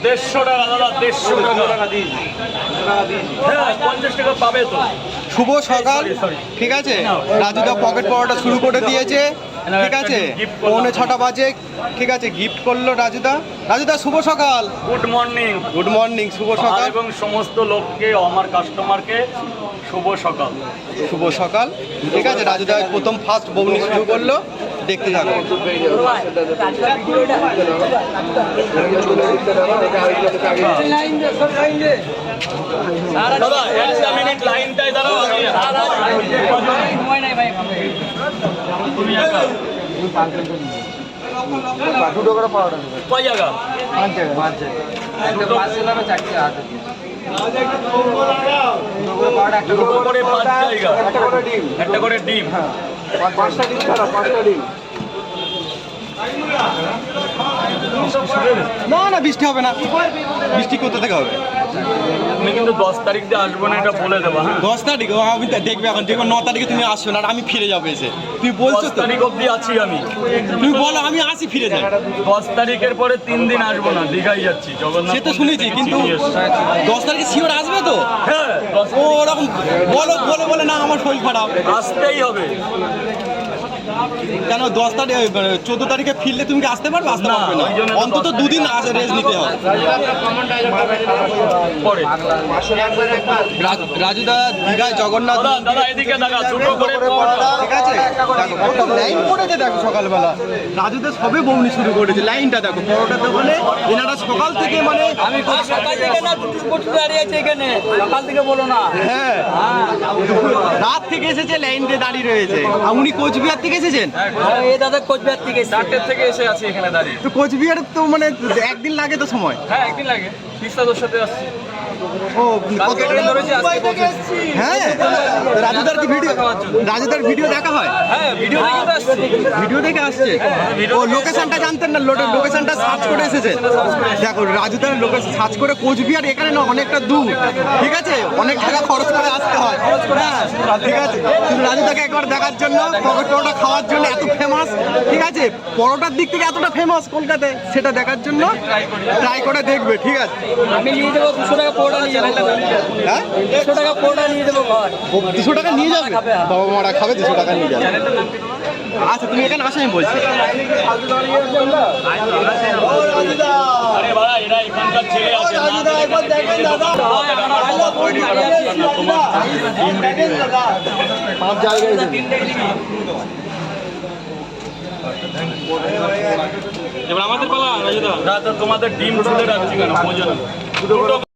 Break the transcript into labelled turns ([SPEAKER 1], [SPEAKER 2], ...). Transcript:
[SPEAKER 1] 150 টাকা দাদা, 150 টাকা। হ্যাঁ 50 টাকা পাবে তো।
[SPEAKER 2] শুভ সকাল। ঠিক আছে, রাজুদা পকেট পড়াটা শুরু করে দিয়েছে। ঠিক আছে, 6:45 বাজে। ঠিক আছে, গিফট করলো রাজুদা। রাজুদা শুভ সকাল।
[SPEAKER 1] Good morning.
[SPEAKER 2] গুড মর্নিং, শুভ সকাল।
[SPEAKER 1] এবং সমস্ত লোককে, আমার কাস্টমারকে শুভ সকাল।
[SPEAKER 2] শুভ সকাল। ঠিক আছে, রাজুদা প্রথম ফার্স্ট বউনি শুরু করলো, দেখতে থাকো।
[SPEAKER 1] দাদা 1 মিনিট লাইনটাই দাঁড়াও।
[SPEAKER 2] দুটো করে পাওয়াটা
[SPEAKER 1] কয় জায়গা?
[SPEAKER 2] 5 জায়গা, 5 জায়গা।
[SPEAKER 1] দুটো করে 5 জায়গা, একটা করে ডিম।
[SPEAKER 2] পাঁচটা ডিম ছাড়া, 5টা ডিম। না না, বৃষ্টি হবে না। বৃষ্টি কোথা থেকে হবে?
[SPEAKER 1] আমি কিন্তু 10 তারিখ দিয়ে আসবো না, এটা বলে দেবো। হ্যাঁ
[SPEAKER 2] 10 তারিখ? আমি দেখবে এখন, দেখবো 9 তারিখে তুমি আসছো না, আর আমি ফিরে যাবো এসে। তুমি বলছো
[SPEAKER 1] 10
[SPEAKER 2] তো,
[SPEAKER 1] তারিখ অবধি আছি আমি।
[SPEAKER 2] তুমি বলো আমি আসি, ফিরে যাই।
[SPEAKER 1] 10 তারিখের পরে 3 দিন আসবো না, দীঘায় যাচ্ছি। জগন্নাথ
[SPEAKER 2] সে তো শুনেছি, কিন্তু 10 তারিখে শিওর আসবে তো?
[SPEAKER 1] হ্যাঁ 10
[SPEAKER 2] ও ওরকম বলো, বলে না আমার শরীর খারাপ।
[SPEAKER 1] আসতেই হবে।
[SPEAKER 2] কেন 10 তারিখ 14 তারিখে ফিরলে তুমি কি আসতে পারবে? আসতে পারবে না,
[SPEAKER 1] ওই জন্য তো
[SPEAKER 2] অন্তত 2 দিন রেস্ট নিতে হবে।
[SPEAKER 1] পরে
[SPEAKER 2] রাজুদা দীঘায় জগন্নাথ।
[SPEAKER 1] দাদা এদিকে দেখা, ছোট করে
[SPEAKER 2] ঠিক আছে, দেখো লাইন পড়েছে, দেখো সকালবেলা রাজুদা সবে বউনি শুরু করেছে। লাইনটা দেখো, পরোটার দোকানে এনারা সকাল থেকে, মানে
[SPEAKER 3] আমি সকাল থেকে না, দুটো কোটি দাঁড়িয়ে আছে এখানে, সকাল থেকে বলো না।
[SPEAKER 2] হ্যাঁ রাত থেকে এসেছে, লাইন দিয়ে দাঁড়িয়ে রয়েছে। আর উনি কোচবিহার থেকে এসেছেন?
[SPEAKER 3] এই দাদা কোচবিহার থেকে
[SPEAKER 1] 4টে থেকে এসে আছি এখানে দাঁড়িয়ে।
[SPEAKER 2] তো কোচবিহার তো মানে একদিন লাগে তো সময়।
[SPEAKER 1] হ্যাঁ একদিন লাগে, তিস্তাদের সাথে আসছি।
[SPEAKER 2] ও
[SPEAKER 1] কালকে ট্রেন ধরেছি, আজকে পৌঁছেছি।
[SPEAKER 2] হ্যাঁ, রাজুদার ভিডিও দেখা হয়?
[SPEAKER 1] হ্যাঁ ভিডিও দেখে তো আসছি।
[SPEAKER 2] ভিডিও দেখে আসছে। ও লোকেশনটা জানতেন না? লোকেশনটা সার্চ করে এসেছে। দেখো রাজুদার লোকেশন সার্চ করে, কোচবিহার এখানে না, অনেকটা দূর। ঠিক আছে, অনেক টাকা খরচ করে আসতে হয়। হ্যাঁ ঠিক আছে, কিন্তু রাজুদাকে একবার দেখার জন্য, পকেট পরোটা খাওয়ার জন্য এত ফেমাস। ঠিক আছে, পরোটার দিক থেকে এতটা ফেমাস কলকাতায়, সেটা দেখার জন্য ট্রাই করে দেখবে। ঠিক আছে,
[SPEAKER 3] আমি নিয়ে দেবো 200 টাকা পোড়া নিয়ে যাবো।
[SPEAKER 2] হ্যাঁ
[SPEAKER 3] 200 টাকা পোড়া নিয়ে দেবো ঘর।
[SPEAKER 2] 200 টাকা নিয়ে যাবে? বাবা মারা খাবে, 200 টাকা নিয়ে যাবে। আচ্ছা তুমি এখানে আসো, আমি বলছি।
[SPEAKER 1] আরে বাড়া, এরা এখানকার ছেলে আছে না। তৈরি করার জন্য তোমার টিম রেডি হয়ে যাবে।
[SPEAKER 2] 5 জায়গায়
[SPEAKER 1] এবার আমাদের পালা রাজুদা। না তো তোমাদের ডিম ছুলে রাখছি কেন? বোঝো না।